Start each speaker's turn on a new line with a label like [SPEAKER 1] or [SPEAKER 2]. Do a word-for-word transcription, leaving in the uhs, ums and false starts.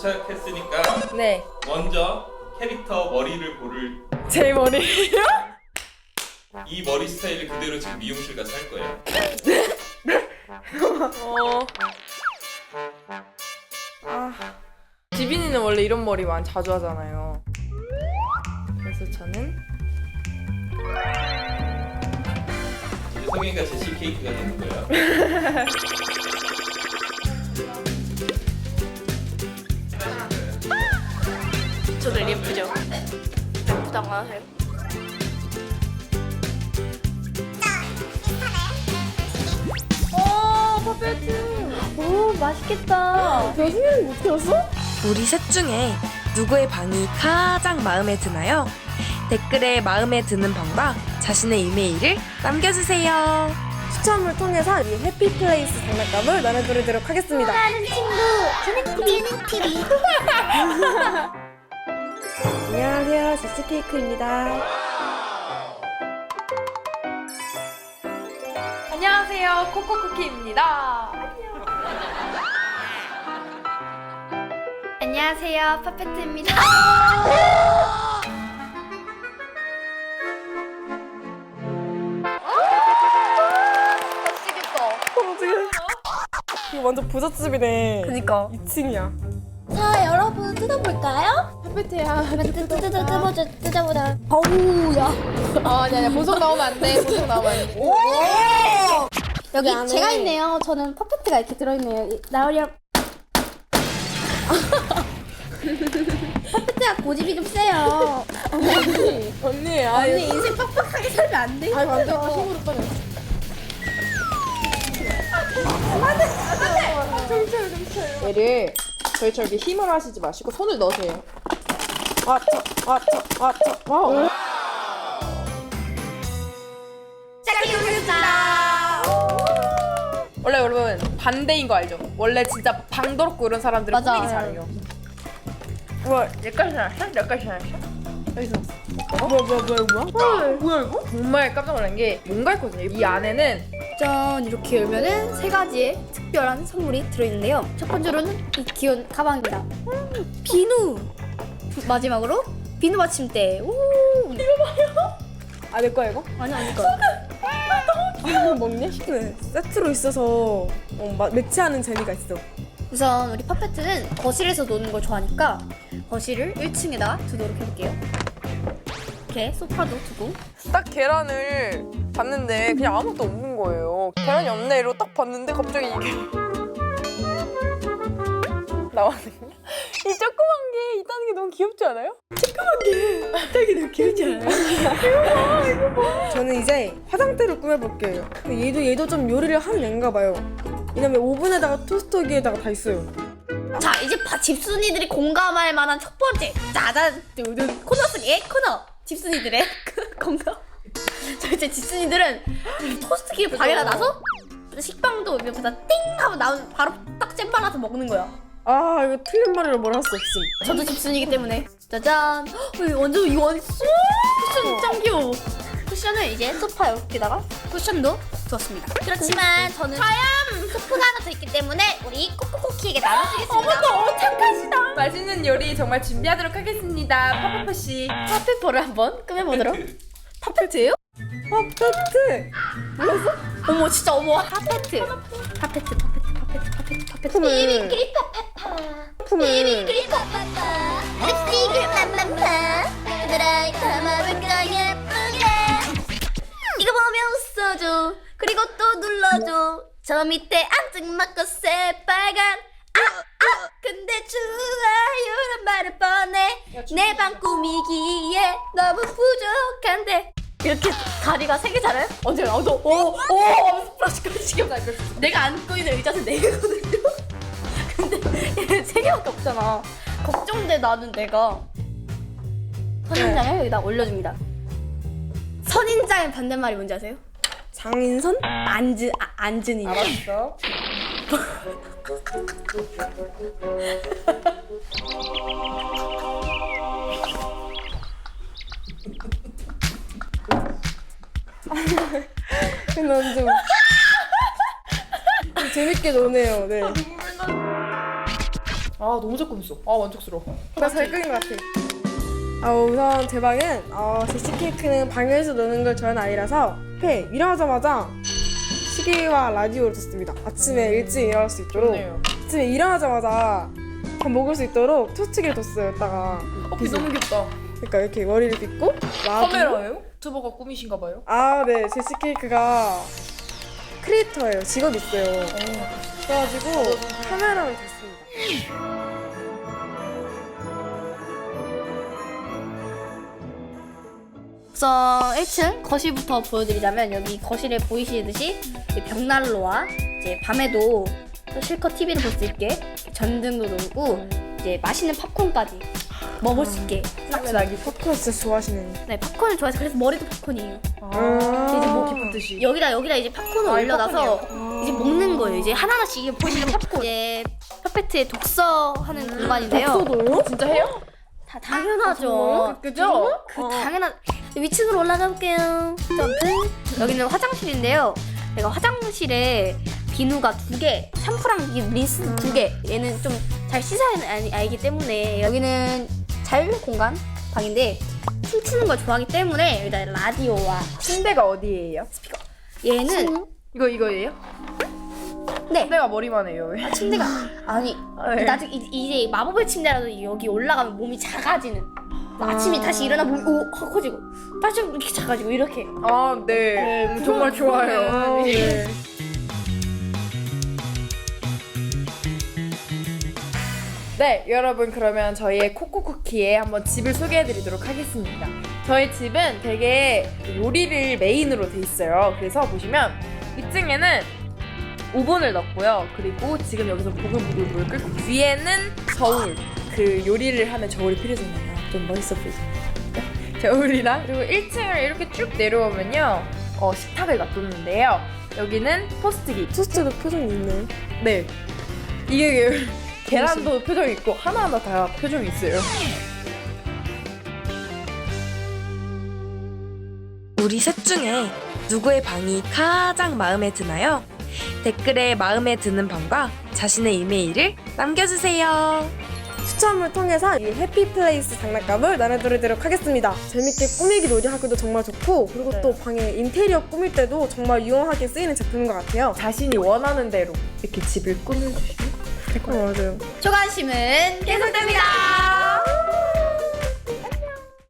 [SPEAKER 1] 도착했으니까
[SPEAKER 2] 네.
[SPEAKER 1] 먼저 캐릭터 머리를 고를.
[SPEAKER 2] 제 머리예요?
[SPEAKER 1] 이 머리 스타일을 그대로 지금 미용실 가서 할 거예요.
[SPEAKER 2] 어. 아. 지빈이는 원래 이런 머리만 자주 하잖아요. 그래서 저는
[SPEAKER 1] 이제 성현이가 제시 케이크가 되는 거예요.
[SPEAKER 3] 저들 예쁘죠? 예쁘다고 하세요.
[SPEAKER 2] 오, 퍼펙트.
[SPEAKER 3] 오, 맛있겠다.
[SPEAKER 2] 교수님 못 들었어?
[SPEAKER 4] 우리 셋 중에 누구의 방이 가장 마음에 드나요? 댓글에 마음에 드는 방과 자신의 이메일을 남겨주세요.
[SPEAKER 2] 추첨을 통해서 이 해피플레이스 장난감을 나눠드리도록 하겠습니다.
[SPEAKER 3] 하는 친구, 재능 티비.
[SPEAKER 2] 안녕하세요, 제시케이크입니다. 안녕하세요, 코코쿠키입니다.
[SPEAKER 3] 안녕하세요, 퍼펙트입니다.
[SPEAKER 2] 이거 완전 부잣집이네.
[SPEAKER 3] 그니까.
[SPEAKER 2] 이 층이야.
[SPEAKER 3] 자, 여러분 뜯어볼까요?
[SPEAKER 2] 퍼펙트야.
[SPEAKER 3] 뜯어 뜯어 뜯어보자 뜯어보자. 어우야.
[SPEAKER 2] 아, 아니, 아니, 보석 나오면 안 돼. 보석 나오면 안 돼.
[SPEAKER 3] 여기
[SPEAKER 2] 안에-
[SPEAKER 3] 제가 있네요. 저는 퍼펙트가 이렇게 들어있네요. 이- 나으렴. 퍼펙트가 고집이 좀 세요.
[SPEAKER 2] 언니, 언니, 아,
[SPEAKER 3] 언니 인생 빡빡하게 살면 안 돼.
[SPEAKER 2] 아이고, 안 돼. 힘으로 빠져. 얘를 저희처럼 이렇게 힘을 하시지 마시고 손을 넣으세요. 아, 차, 아, 차, 아, 차. 와우.
[SPEAKER 3] 시작해보겠습니다.
[SPEAKER 2] 원래 여러분 반대인 거 알죠? 원래 진짜 방더럽고 이런 사람들은
[SPEAKER 3] 맞아.
[SPEAKER 2] 꾸미기 잘해요. 우와, 여기까지 나왔어? 여기까지 나왔어? 여기서 어? 뭐야, 뭐야, 뭐야, 뭐야? 헐. 뭐야, 이거? 정말 깜짝 놀란 게 뭔가 있거든요. 이 안에는
[SPEAKER 3] 짠, 이렇게 열면은 세 가지의 특별한 선물이 들어있는데요. 첫 번째로는 이 귀여운 가방입니다. 음, 비누. 마지막으로 비누 받침대. 오.
[SPEAKER 2] 아, 내 거야, 이거?
[SPEAKER 3] 아니 아닐 거.
[SPEAKER 2] 이거 먹냐? 네, 세트로 있어서 어, 마, 매치하는 재미가 있어.
[SPEAKER 3] 우선 우리 퍼펙트는 거실에서 노는 걸 좋아하니까 거실을 일 층에다 두도록 해볼게요. 이렇게 소파도 두고.
[SPEAKER 2] 딱 계란을 봤는데 그냥 아무것도 없는 거예요. 계란이 없네 이러고 딱 봤는데 갑자기 이게 나왔거든요. 이 조그만 게 있다는 게 너무 귀엽지 않아요? 조그만 게 있다는 게 너무 귀엽지 않아요? 이거 봐, 이거 봐. 저는 이제 화장대를 꾸며볼게요. 근데 얘도 얘도 좀 요리를 하는 애인가 봐요. 왜냐면 오븐에다가 토스터기에다가 다 있어요.
[SPEAKER 3] 자, 이제 바, 집순이들이 공감할 만한 첫 번째 짜잔 두둔 코너 속의 코너. 집순이들의 공감. 자, 이제 집순이들은 이 토스트기를 방에다 놔서 식빵도 옆에다 띵 하고 나오면 바로 딱 잼 발라서 먹는 거야.
[SPEAKER 2] 아, 이거 틀린 말이라 뭘 할 수 없음.
[SPEAKER 3] 저도 집순이기 때문에 짜잔. 헉, 완전 이거 완전 쿠션 짱 귀여워. 쿠션을 이제 소파 옆에다가 쿠션도 두었습니다. 그렇지만 저는 과연 소프가 하나 더 있기 때문에 우리 코코코키에게 나눠주겠습니다. 어머, 너무 착하시다.
[SPEAKER 2] 맛있는 요리 정말 준비하도록 하겠습니다. 파파파 씨.
[SPEAKER 3] 파페퍼를 한번 끄매보도록.
[SPEAKER 2] 파페트예요? 파페트. 몰랐어?
[SPEAKER 3] 어머, 진짜 어머. 파페트. 파페트, 파페트, 파페트, 파페트, 파페트.
[SPEAKER 2] 품을.
[SPEAKER 3] 비비크리 파파파.
[SPEAKER 2] 품을.
[SPEAKER 3] 비비크리 파파파. 립스틱을 맘맘파. 얘들아, 담아볼까 예쁘게. 이거 보며 웃어줘. 그리고 또 눌러줘. 저 밑에 앙증맞고 새빨간 아! 아! 근데 좋아요란 말을 뻔해. 내 방 꾸미기에 너무 부족한데. 이렇게 다리가 세 개잖아요? 언제 나오도 오! 오! 플라시까지 시켜 갈 거야. 내가 앉고 있는 의자는 네 개거든요? 근데 얘 세 개밖에 없잖아. 걱정돼 나는 내가. 선인장을 여기다 올려줍니다. 선인장의 반대말이 뭔지 아세요?
[SPEAKER 2] 장인선?
[SPEAKER 3] 앉은, 아, 앉은이.
[SPEAKER 2] 알았어. 난 좀 재밌게 노네요. 네.
[SPEAKER 5] 아 너무 잘 꾸몄어. 아 만족스러워.
[SPEAKER 2] 나 잘 끓인 것 같아. 아, 우선 제 방은 어, 제시 케이크는 방에서 노는 걸 좋아하는 아이라서 앞에 일어나자마자 시계와 라디오를 뒀습니다. 아침에 일찍 일어날 수 있도록.
[SPEAKER 5] 좋네요.
[SPEAKER 2] 아침에 일어나자마자 밥 먹을 수 있도록 토스트기를 뒀어요. 여기다가
[SPEAKER 5] 어, 비 너무 귀엽다.
[SPEAKER 2] 그러니까 이렇게 머리를 빗고 라디오.
[SPEAKER 5] 카메라예요? 유튜버가 꾸미신가 봐요?
[SPEAKER 2] 아, 네. 제시 케이크가 크리에이터예요. 직업 있어요. 그래가지고 카메라를 뒀습니다.
[SPEAKER 3] 우선 일 층 거실부터 보여드리자면 여기 거실에 보이시듯이 이 벽난로와 이제 밤에도 또 실컷 티비를 볼 수 있게 전등도 놓고 이제 맛있는 팝콘까지 먹을 수 있게
[SPEAKER 2] 나 이 팝콘 진짜 좋아하시는.
[SPEAKER 3] 네 팝콘을 좋아해서 그래서 머리도 팝콘이에요.
[SPEAKER 2] 아,
[SPEAKER 3] 이제 뭐
[SPEAKER 5] 깊은
[SPEAKER 3] 여기다 여기다 이제 팝콘을
[SPEAKER 5] 아, 이
[SPEAKER 3] 올려놔서 이제 먹는 거예요. 이제 하나하나씩 이게 보시는 팝콘. 이제 퍼펙트의 독서하는 공간인데요.
[SPEAKER 2] 독서도요?
[SPEAKER 5] 진짜 해요?
[SPEAKER 3] 다 당연하죠.
[SPEAKER 5] 그죠?
[SPEAKER 3] 그 당연한 위층으로 올라가 볼게요. 점프. 여기는 화장실인데요. 내가 화장실에 비누가 두 개, 샴푸랑 이 린스 두 개. 얘는 좀 잘 씻어야 아니- 알기 때문에 여기는 자유 공간 방인데 춤추는 걸 좋아하기 때문에 여기다 라디오와
[SPEAKER 5] 침대가 어디예요?
[SPEAKER 3] 얘는
[SPEAKER 5] 이거 이거예요?
[SPEAKER 3] 네
[SPEAKER 5] 침대가 머리만 해요 왜?
[SPEAKER 3] 침대가 아니
[SPEAKER 5] 아, 네.
[SPEAKER 3] 나중에 이- 이제 마법의 침대라도 여기 올라가면 몸이 작아지는. 아침에 다시 일어나 몸이 오 커지고 다시 이렇게 작아지고 이렇게.
[SPEAKER 5] 아 네. 음, 정말 좋아요.
[SPEAKER 2] 네.
[SPEAKER 5] 네, 여러분 그러면 저희의 코코쿠키에 한번 집을 소개해드리도록 하겠습니다. 저희 집은 되게 요리를 메인으로 돼 있어요. 그래서 보시면 위층에는 오븐을 넣었고요. 그리고 지금 여기서 보글보글 끓고 위에는 저울, 그 요리를 하면 저울이 필요하잖아요. 좀 멋있어 보이죠? 저울이랑 그리고 일 층을 이렇게 쭉 내려오면요, 어, 식탁을 놔뒀는데요. 여기는 토스트기.
[SPEAKER 2] 토스트도 표정이 있네.
[SPEAKER 5] 네. 이게 계란도 표정이 있고 하나하나 다 표정이 있어요.
[SPEAKER 4] 우리 셋 중에 누구의 방이 가장 마음에 드나요? 댓글에 마음에 드는 방과 자신의 이메일을 남겨주세요.
[SPEAKER 2] 추첨을 통해서 이 해피플레이스 장난감을 나눠드리도록 하겠습니다. 재밌게 꾸미기 놀이하기도 정말 좋고, 그리고
[SPEAKER 5] 네.
[SPEAKER 2] 또 방에 인테리어 꾸밀 때도 정말 유용하게 쓰이는 제품인 것 같아요.
[SPEAKER 5] 자신이 원하는 대로 이렇게 집을 꾸며주시면 될 것 같아요.
[SPEAKER 2] 맞아요.
[SPEAKER 3] 초관심은 계속됩니다.